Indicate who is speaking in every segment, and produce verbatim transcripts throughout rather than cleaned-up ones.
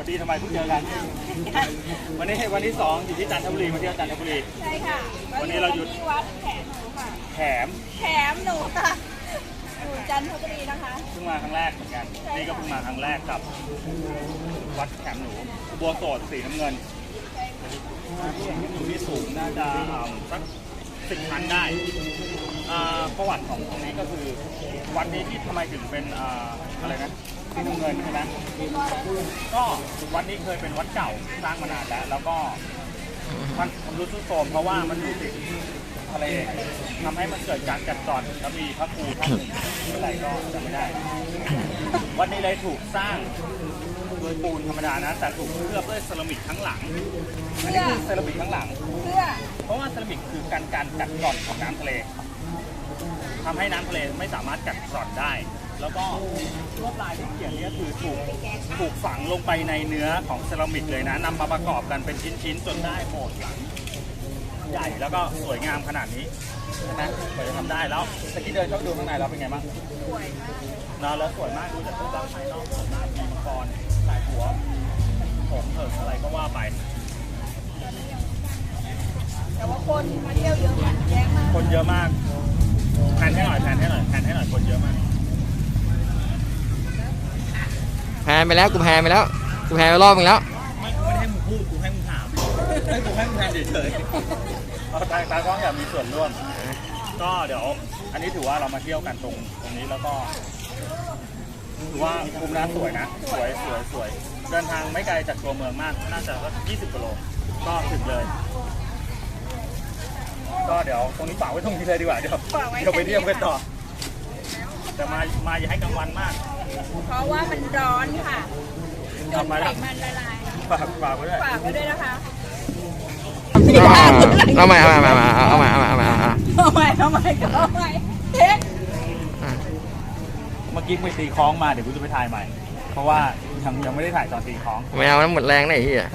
Speaker 1: ดีทำไมเพิ่งเจอกันวันนี้วันที่สองอยู่ที่จันทบุรีมาเที่ยวจันทบุรี
Speaker 2: ใช่ค่ะ
Speaker 1: วันนี้เราหยุด
Speaker 2: ที่วัดแขมหนูค่ะ
Speaker 1: แขม
Speaker 2: แขมหนูค่ะอยู่จันทบุรีนะคะ
Speaker 1: เพิ่งมาครั้งแรกเหมือนกันนี่ก็เพิ่งมาครั้งแรกกับวัดแขมหนูบัวโสดสีน้ำเงินอยู่ที่สูงน่าจะสักสิบชั้นได้ประวัติของตรงนี้ก็คือวัดนี้ที่ทำไมถึงเป็นอะไรนะสีน้ำเงินใช่ไหมก็วัดนี้เคยเป็นวัดเก่าสร้างมานานแล้วแล้วก็มันรุดซุดโทรมเพราะว่ามันอยู่ติดทะเลทำให้มันเกิดการกัดกร่อนแล้วมีพระครูท่านหนึ่งอะไรก็จำไม่ได้วัดนี้เลยถูกสร้างโดยปูนธรรมดานะแต่ถูกเคลือบด้วยเซรามิกทั้งหลังอันนี้คือเซรามิกทั้งหลัง
Speaker 2: เพื่อ
Speaker 1: เพราะว่าเซรามิกคือการการกัดกร่อนของน้ำทะเลทำให้น้ำทะเลไม่สามารถกัดกร่อนได้แล้วก็ลวดลายที่เขียนนี้คือถูกถูกฝังลงไปในเนื้อของเซรามิกเลยนะนำมาประกอบกันเป็นชิ้นๆจนได้โบสถ์หลังใหญ่แล้วก็สวยงามขนาดนี้ใช่ไหมกว่าจะทำได้แล้วตะกี้เดินเข้าดูข้างในเราเป็นไงบ้าง
Speaker 2: สวยมาก
Speaker 1: นอนแล้วสวยมากดูจากรูปร่างภายนอกสวยมากมีมังกรสายหัวผมเถิดอะไรก็ว่าไป
Speaker 2: แต่ว่าคนมาเที่ยวเยอะมากแยะมาก
Speaker 1: คนเยอะมากแผนให้หน่อยแผนให้หน่อยแผนให้หน่อยคนเยอะมาก
Speaker 3: แพนไปแล้วกูแพนไปแล้วกูแพนไปรอบนึงแล้ว
Speaker 1: ไม่ไม่ให้มึงพูดกูให้มึงถามให้กูให้มึงแพนเฉยๆเอาตาตากล้องอยากมีส่วนร่วมก็เดี๋ยวอันนี้ถือว่าเรามาเที่ยวกันตรงตรงนี้แล้วก็ถือว่าภูมิน้ำสวยนะสวยสวยสวยเดินทางไม่ไกลจากตัวเมืองมากน่าจะสักยี่สิบกิโลก็ถึงเลยก็เดี๋ยวตรงนี้ฝากไว้ตรงนี้เลยดีกว่าเดี๋ยวเดี๋ยวไปเที่ยวกันต่อแต่มามาอย่าให้กลางวันมาก
Speaker 2: เพราะว่ามันร้อนค่ะจนไขมันละลาย
Speaker 1: ฝากฝากไว้ด้วย
Speaker 2: ฝากไว้ด้วยนะคะ
Speaker 3: เอาใหม่เอาใหม่เอาใหม่เอาใหม่เอาใหม่เอาใหม่
Speaker 2: เอาใหม่เอาใหม่เอาใหม่เท็ก
Speaker 1: เมื่อกี้ไปตีคล้องมาเดี๋ยวกูจะไปถ่ายใหม่เพราะว่ายังยังไม่ได้ถ่ายตอนตีคล้อง
Speaker 3: ไม่เอาแล้วหมดแรงเลยไอ้เหี้ย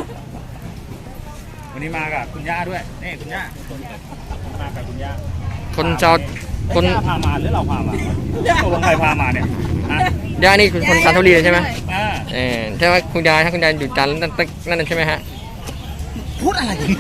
Speaker 1: วันนี้มากับคุณย่าด้วยนี่คุณย่ามากับคุณย่า
Speaker 3: คนเจ้า
Speaker 1: คนพามาหรือเราพามาตัวใครพามาเนี่ย
Speaker 3: ย่านี่คือคนจันทบุรีใช่ไหม
Speaker 1: อ่า
Speaker 3: เออใช่ไหมคุณยายถ้าคุณยายอยู่จันทร์นั่นนั่นใช่ไหมฮะ
Speaker 1: พูดอะไรกัน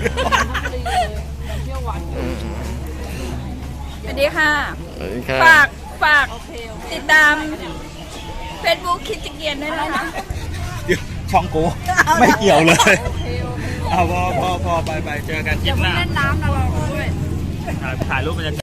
Speaker 2: สวัสดีค่ะฝากฝากติดตามเฟซบุ๊กคิดจิเกียนด้วยนะคะ
Speaker 1: ช่องกูไม่เกี่ยวเลยเอาพอพอพอไปไปเจอกันคลิปหน้า
Speaker 2: เล่นน้ำนะเราด้วย
Speaker 1: ถ่ายรูปบรรยากาศ